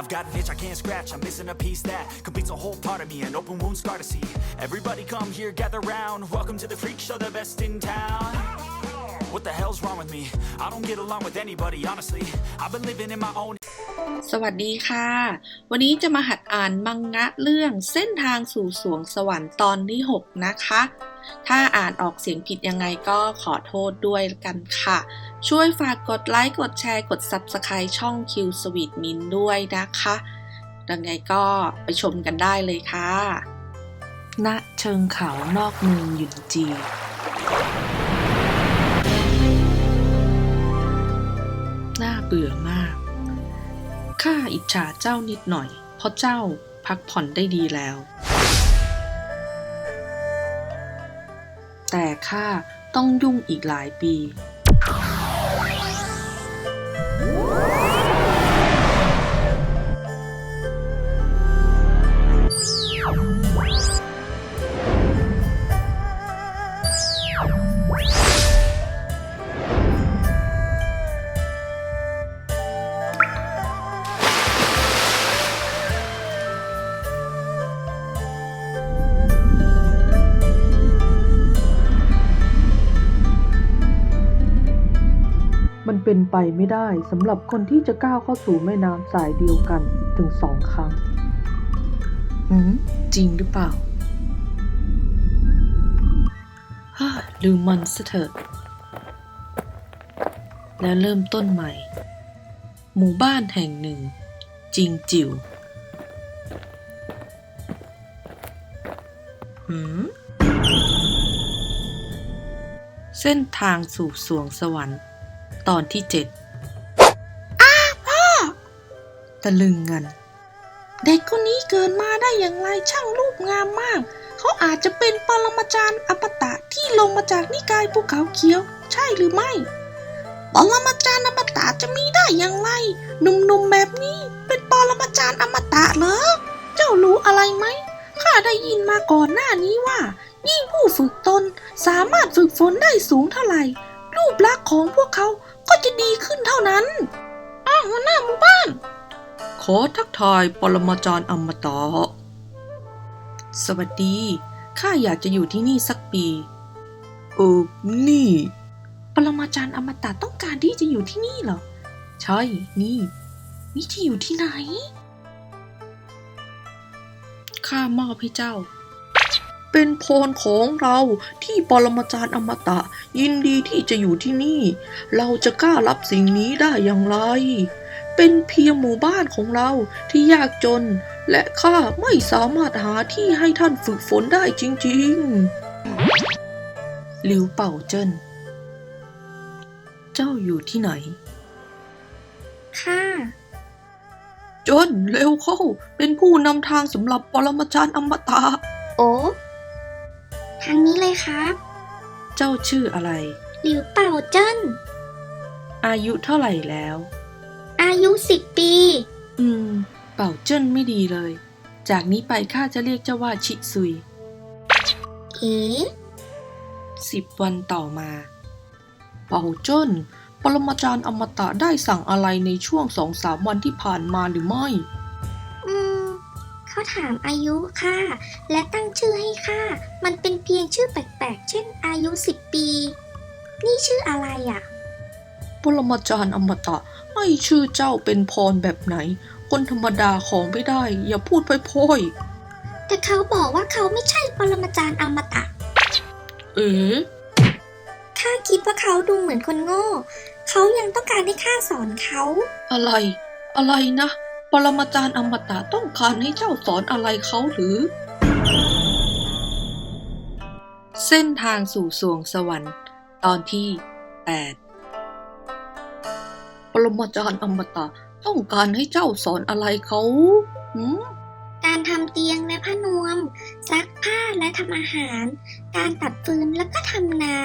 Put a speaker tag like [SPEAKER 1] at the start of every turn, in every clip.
[SPEAKER 1] I've got an itch I can't scratch, I'm missing a piece that completes a whole part of me, an open wound scar to see. Everybody come here, gather round, welcome to the freak show, the best in town. What the hell's wrong with me? I don't get along with anybody, honestly. I've been living in my own.
[SPEAKER 2] สวัสดีค่ะวันนี้จะมาหัดอ่านมังงะเรื่องเส้นทางสู่สวงสวรรค์ตอนที่6นะคะถ้าอ่านออกเสียงผิดยังไงก็ขอโทษด้วยกันค่ะช่วยฝากกดไลค์กดแชร์กด Subscribe ช่อง Q Sweet Min ด้วยนะคะยังไงก็ไปชมกันได้เลยค่ะณเชิงเขานอกเมืองหยุนจีน่าเบื่อมากข้าอิจฉาเจ้านิดหน่อยเพราะเจ้าพักผ่อนได้ดีแล้วแต่ข้าต้องยุ่งอีกหลายปี
[SPEAKER 3] มันเป็นไปไม่ได้สำหรับคนที่จะก้าวเข้าสู่แม่น้ำสายเดียวกันถึง2 ครั้ง
[SPEAKER 2] จริงหรือเปล่าลืมมันซะเถอะแล้วเริ่มต้นใหม่หมู่บ้านแห่งหนึ่งจริงจิ๋วเส้นทางสู่สวงสวรรค์ตอนที่7พ่อตะลึงงันเด็กคนนี้เกิดมาได้อย่างไรช่างรูปงามมากเขาอาจจะเป็นปรมาจารย์อมตะที่ลงมาจากนิกายภูเขาเขียวใช่หรือไม่ปรมาจารย์อมตะจะมีได้อย่างไรหนุ่มๆแบบนี้เป็นปรมาจารย์อมตะเหรอเจ้ารู้อะไรไหมข้าได้ยินมาก่อนหน้านี้ว่ายิ่งผู้ฝึกตนสามารถฝึกฝนได้สูงเท่าไหร่รูปลักษณ์ของพวกเขาก็จะดีขึ้นเท่านั้นหัวหน้าหมู่บ้านขอทักทายปรมาจารย์อมตะสวัสดีข้าอยากจะอยู่ที่นี่สักปีนี่ปรมาจารย์อมตะต้องการที่จะอยู่ที่นี่เหรอใช่นี่ที่อยู่ที่ไหนข้ามอบให้เจ้าเป็นพรของเราที่ปรมาจารย์อมตะยินดีที่จะอยู่ที่นี่เราจะกล้ารับสิ่งนี้ได้อย่างไรเป็นเพียงหมู่บ้านของเราที่ยากจนและข้าไม่สามารถหาที่ให้ท่านฝึกฝนได้จริงๆหลิวเป่าเจิ้นเจ้าอยู่ที่ไหน
[SPEAKER 4] ค่ะ
[SPEAKER 2] จนเร็วเข้าเป็นผู้นำทางสำหรับปรมาจารย์อมตะ
[SPEAKER 4] โอ้ทางนี้เลยครับ
[SPEAKER 2] เจ้าชื่ออะไร
[SPEAKER 4] หลิวเป่าเจิ้น
[SPEAKER 2] อายุเท่าไหร่แล้ว
[SPEAKER 4] อายุ10 ปี
[SPEAKER 2] เป่าเจิ้นไม่ดีเลยจากนี้ไปข้าจะเรียกเจ้าว่าชิซุย10 วันต่อมาเป่าเจิ้นปรมาจารย์อมตะได้สั่งอะไรในช่วง 2-3 วันที่ผ่านมาหรือไม่
[SPEAKER 4] เขาถามอายุค่ะและตั้งชื่อให้ค่ะมันเป็นเพียงชื่อแปลกๆเช่นอายุ10 ปีนี่ชื่ออะไรอ่ะ
[SPEAKER 2] ปรมาจารย์อมตะให้ชื่อเจ้าเป็นพรแบบไหนคนธรรมดาของไม่ได้อย่าพูดพ่อย
[SPEAKER 4] ๆแต่เขาบอกว่าเขาไม่ใช่ปรมาจารย์อมตะข้าคิดว่าเขาดูเหมือนคนโง่เขายังต้องการให้ข้าสอนเขา
[SPEAKER 2] อะไรนะปรมาจารย์อมตะต้องการให้เจ้าสอนอะไรเขาหรือเส้นทางสู่สวงสวรรค์ตอนที่8ปรมาจารย์อมตะต้องการให้เจ้าสอนอะไรเขา
[SPEAKER 4] การทำเตียงและผ้านวมซักผ้าและทำอาหารการตัดฟืนแล้วก็ทำนา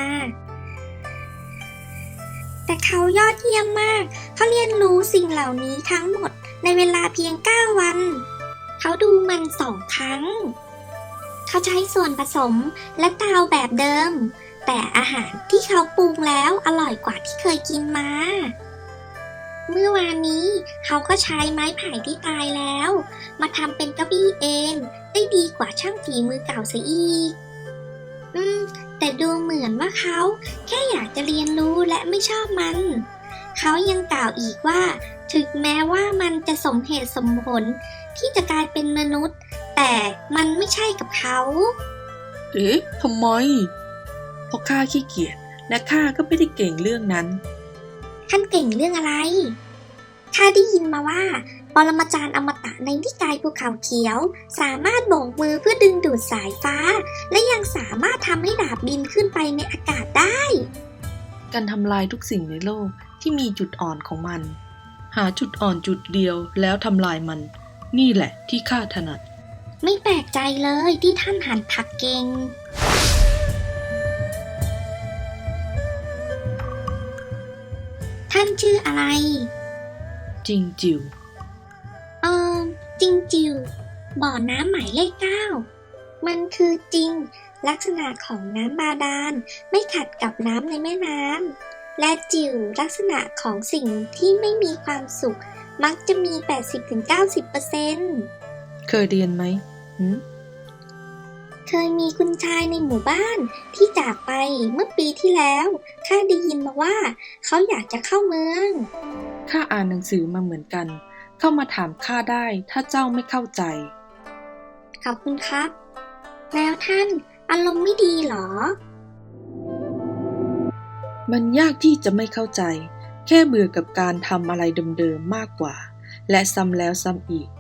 [SPEAKER 4] แต่เขายอดเยี่ยมมากเขาเรียนรู้สิ่งเหล่านี้ทั้งหมดในเวลาเพียง9 วันเขาดูมัน2 ครั้งเขาใช้ส่วนผสมและเตาแบบเดิมแต่อาหารที่เขาปรุงแล้วอร่อยกว่าที่เคยกินมาเมื่อวานนี้เขาก็ใช้ไม้ไผ่ที่ตายแล้ว มาทำเป็นเก้าอี้เองได้ดีกว่าช่างฝีมือเก่าเสียอีก แต่ดูเหมือนว่าเขาแค่อยากจะเรียนรู้และไม่ชอบมัน เขายังกล่าวอีกว่า ถึงแม้ว่ามันจะสมเหตุสมผลที่จะกลายเป็นมนุษย์ แต่มันไม่ใช่กับเขา
[SPEAKER 2] เอ๊ะทำไม เพราะข้าขี้เกียจและข้าก็ไม่ได้เก่งเรื่องนั้น
[SPEAKER 4] ท่านเก่งเรื่องอะไร ข้าได้ยินมาว่า ปรมาจารย์อมตะในนิกายภูเขาเขียว สามารถโบกมือเพื่อดึงดูดสายฟ้า และยังสามารถทำให้ดาบบินขึ้นไปในอากาศได้
[SPEAKER 2] การทำลายทุกสิ่งในโลกที่มีจุดอ่อนของมัน หาจุดอ่อนจุดเดียวแล้วทำลายมัน นี่แหละที่ข้าถนัด
[SPEAKER 4] ไม่แปลกใจเลยที่ท่านหั่นผักเก่ง ท่านชื่ออะไร
[SPEAKER 2] จริงจิ๋ว
[SPEAKER 4] จริงจิวบ่อน้ำหมายเลข 9 มันคือจริงลักษณะของน้ำบาดาลไม่ขัดกับน้ำในแม่น้ำและจิวลักษณะของสิ่งที่ไม่มีความสุขมักจะมี 80-90%
[SPEAKER 2] เคยเรียนไหม
[SPEAKER 4] เคยมีคุณชายในหมู่บ้านที่จากไปเมื่อปีที่แล้วข้าได้ยินมาว่าเขาอยากจะเข้าเมือง
[SPEAKER 2] ข้าอ่านหนังสือมาเหมือนกัน เข้ามาถามข้าได้ถ้าเจ้าไม่เข้าใจ
[SPEAKER 4] ขอบคุณครับ แล้วท่านอารมณ์ไม่ดีเหรอ
[SPEAKER 2] มันยากที่จะไม่เข้าใจ แค่เบื่อกับการทำอะไรเดิมๆมากกว่า และซ้ำแล้วซ้ำอีก